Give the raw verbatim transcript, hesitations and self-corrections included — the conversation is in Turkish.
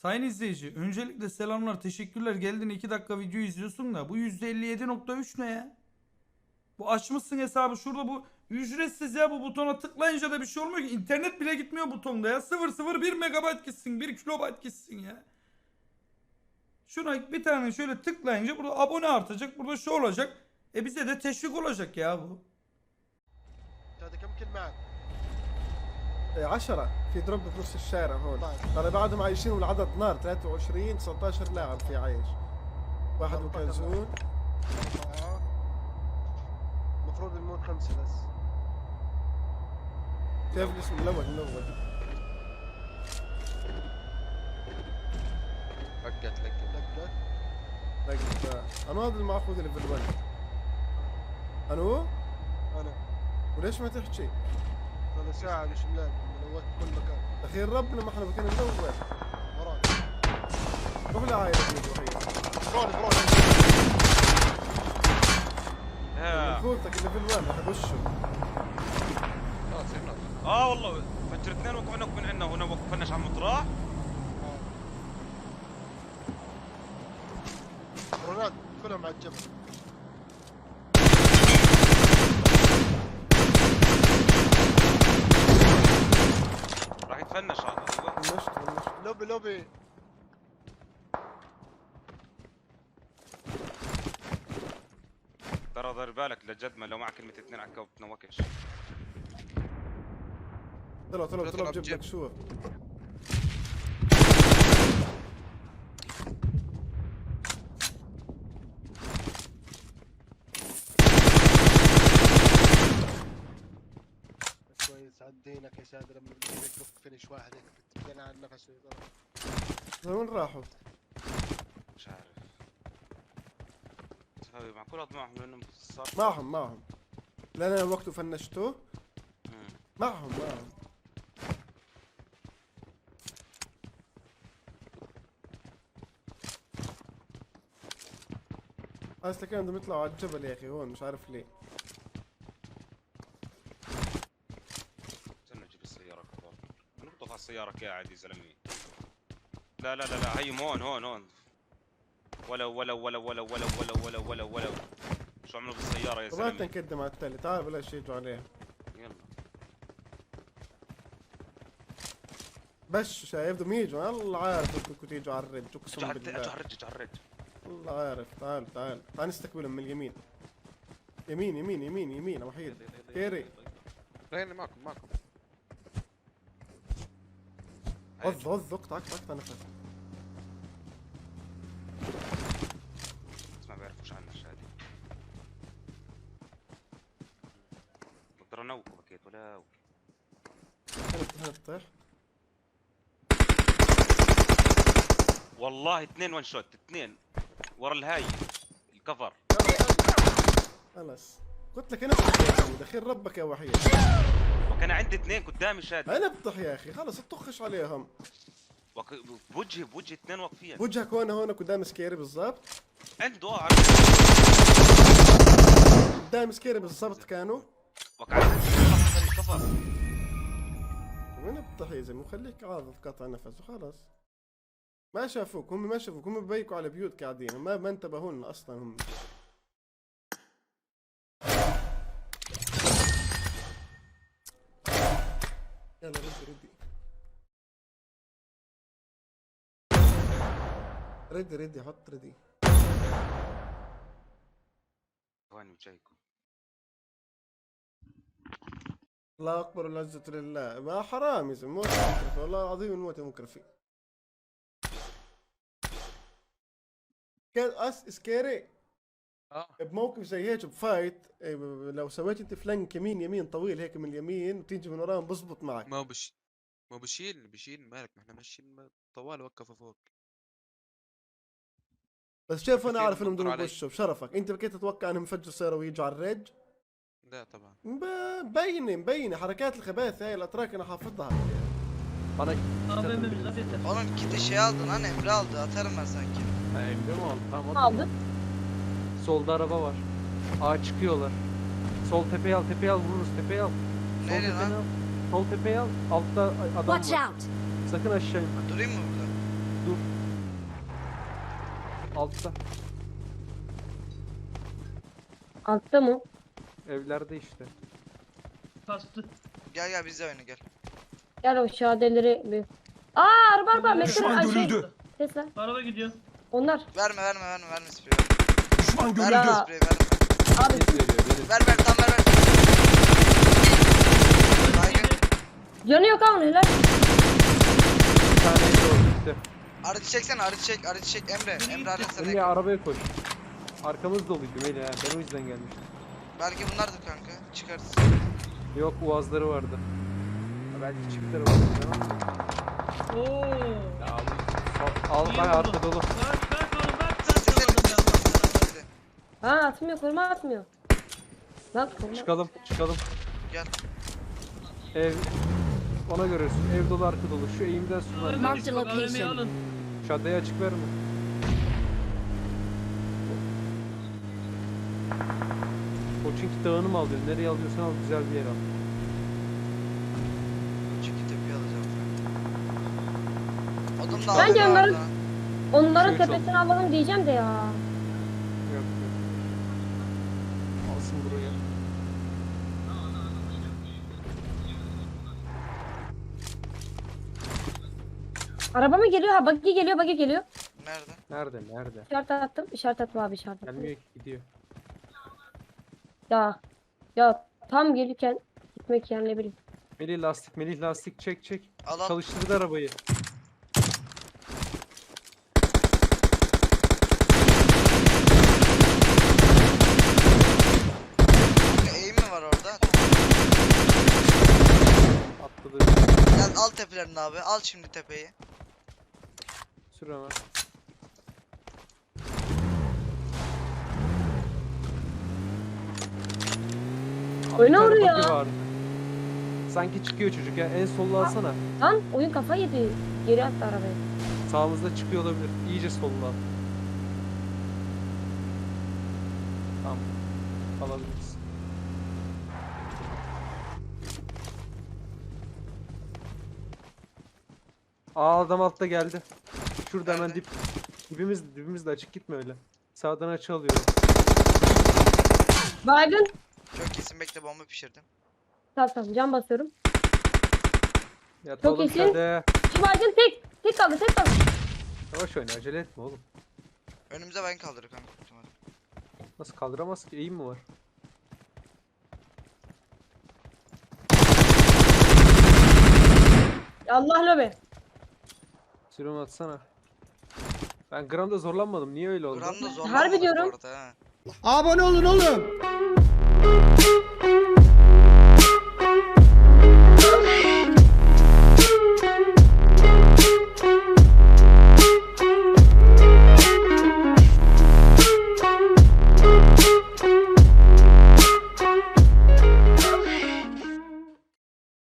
Sayın izleyici, öncelikle selamlar, teşekkürler. Geldin iki dakika video izliyorsun da bu yüzde elli yedi nokta üç ne ya? Bu açmışsın hesabı şurada, bu ücretsiz ya, bu butona tıklayınca da bir şey olmuyor ki. İnternet bile gitmiyor butonda ya. sıfır nokta sıfır bir megabayt gitsin, bir kilobayt gitsin ya. Şuna bir tane şöyle tıklayınca burada abone artacak, burada şu olacak. E bize de teşvik olacak ya bu. هذا كم كل معك؟ عشرة في دروب بنص الشارع هون. طيب. ترى بعدهم عايشين والعدد نار ثلاثة وعشرين تسعة عشر لاعب في عايش. واحد أربعة وكلزون. أربعة. المفروض نموت خمسة بس. كيف الاسم الأول الأول؟ لقت لقت لقت. لقيت أنا هذا المأخوذ اللي في الولد. أنو؟ أنا. وليش ما تحكي؟ هذا ساعة مش ملاقي ملوت كل مكان. أخير ربنا ما احنا مكان ندور. وراك. روح لعائلة الوحيد. بروني بروني. مأخوذتك اللي في الولد راح يخشوا. اه والله فجر اثنين وقفنا من عندنا هنا وقفناش على المطرح. برونات كلهم على الجبل. راح يتفنش هذا. فنشت فنشت. لوبي لوبي. ترى دير بالك لجد ما لو معك كلمة اثنين على الكوب بتنوكش. طلع طلع طلع بجيب لك شو. كويس عدينك يا سادة لما بدك تلف فينش واحد هيك بتبين على النفس ويضرب. وين راحوا؟ مش عارف. هاي معقول هذا معهم لانهم صار. معهم معهم. لأن أنا وقته فنشته. مم. معهم معهم. أصلا كانوا بدهم يطلعوا على الجبل يا أخي هون مش عارف ليه. استنى نجيب السيارة كبار. نبطخ على السيارة قاعد يا زلمة. لا لا لا لا هي هون هون هون. ولا ولا ولا ولا ولا ولا ولا ولا ولا شو عملوا بالسيارة يا طبعا زلمة؟ نقدم على التالي تعال بلاش يجوا عليها. يلا. بس شايف بدهم يجوا الله عارف بدكم تيجوا على الرج اقسم اجوا بالله. على الرج على الرج. الله عارف تعال تعال تعال نستقبلهم من اليمين. يمين يمين يمين يمين يا وحيد. كيري رهيني معكم معكم. غض غض اقطع اقطع اقطع نفس. بس ما بيعرفوش عنا الشهادة. بقدر انوقه بكيت ولا هنا هنا تطيح. والله اثنين وان شوت اثنين ورا الهاي الكفر. خلاص قلت لك انا بدي دخيل ربك يا وحيد. وكان عندي اثنين قدامي شاد. انا بطح يا اخي خلص اطخش عليهم. وك... بوجهي بوجهي اثنين واقفين. وجهك هون هون قدام سكيري بالضبط. عنده اه قدام سكيري بالضبط كانوا. وقعت الكفر. وين بطح يا زلمه خليك عاضد قطع نفس وخلاص. ما شافوك هم ما شافوك هم ببيكوا على بيوت قاعدين ما ما انتبهوا لنا اصلا هم. يلا ردي ردي ردي ردي حط ردي. ثواني وجايكم. الله اكبر والعزة لله ما حرام يا زلمه موت مكرفي والله العظيم الموت مكرفي. كان اس سكيري اه بموقف زي هيك بفايت إيه، ب- لو سويت انت فلانك يمين يمين طويل هيك من اليمين وتيجي من وراهم بزبط معك. ما هو بش ما هو بشيل بشيل مالك ما احنا ماشيين طوال وقفه فوق. بس شوف انا كثير عارف انهم بنطر بدهم علي. يخشوا بشرفك انت بكيت تتوقع انهم يفجروا سيارة ويجوا على الرج. لا طبعا. ب- مبينه مبينه حركات الخباثة هاي الاتراك انا حافظها. Oğlum git şey aldın lan Emre aldı atarım ben sanki. Ha, Emre mi aldı? Tamam Aldım. Solda araba var. Ağa çıkıyorlar. Sol tepeye al, tepeye al vururuz, tepeye al. Sol Nereye tepeye lan? al. Sol tepeye al. Altta adam Watch var. out! Sakın aşağı inme. Durayım mı burada? Dur. Altta. Altta mı? Evlerde işte. Kastı. Gel gel bizle oyna gel. Gel o şadeleri bir. Aa araba araba. Metin ay şey. Tesla. Araba gidiyor. Onlar. Verme verme verme verme spreyi. Düşman Verme Ya. spreyi verme. Abi Biz veriyor benim. Ver ver tam ver ver. Baygın. canı yok ha onun helal. Bir tane evde oldu gitti. Aracı çeksene aracı çek aracı çek Emre. Emre aracı sana. Melih arabaya koş. Arkamız doluydu Melih ha. Ben o yüzden gelmiştim. Belki bunlardır kanka. Çıkarız. Yok uazları vardı. Ha, belki çiftler vardı. Oo. Ya abi. Al, al bak arka dolu. Kaç kaç oğlum kaç kaç. Sesleri Yolladım ya. sesleri. Ha atmıyor koruma atmıyor. Bak koruma. Çıkalım çıkalım. Gel. Ev. Ona görürsün. Ev dolu arka dolu. Şu eğimden sonra. Marked a location. Şaddayı açık verme. O çünkü dağını mı alıyorsun? Nereye alıyorsan al güzel bir yer al. Çünkü tepeyi alacağım. Odun da Bence aldım onların- orada. Onların Şey tepesine alalım diyeceğim de ya. Yok yok. Alsın buraya. Araba mı geliyor? Ha buggy geliyor buggy geliyor. Nerede? Nerede? Nerede? İşaret attım. İşaret attım abi işaret attım. Gelmiyor ki gidiyor. Ya. Ya tam gelirken gitmek yani ne bileyim. Melih lastik, Melih lastik çek çek. Al al. Çalıştırdı arabayı. Kanka eğim mi var orada? Atladı. Gel al tepelerini abi. Al şimdi tepeyi. Sür hemen. Abi Oyna bir tane oraya. buggy vardı. Sanki çıkıyor çocuk ya. En sollu alsana. Lan oyun kafa yedi. Geri attı arabayı. Sağımızda çıkıyor olabilir. İyice sollu al. Tamam. Alabiliriz. Aa adam altta geldi. Şurada hemen Nerede? dip. Dibimiz, dibimiz de açık gitme öyle. Sağdan açı alıyorum. Baygın. Çok kesin bekle bomba pişirdim. Tamam tamam cam basıyorum. Yat Çok oğlum iyisin. şöyle. Şu baygın tek. Tek kaldı tek kaldı. Yavaş oyna acele etme oğlum. Önümüze ben kaldırır kanka. büyük ihtimalle. Nasıl kaldıramaz ki? Eğim mi var? Allah lobe. Sürüm atsana. Ben gramda zorlanmadım. Niye öyle oldu? Gramda zor. Harbi diyorum. Orada, ha. Abone olun oğlum.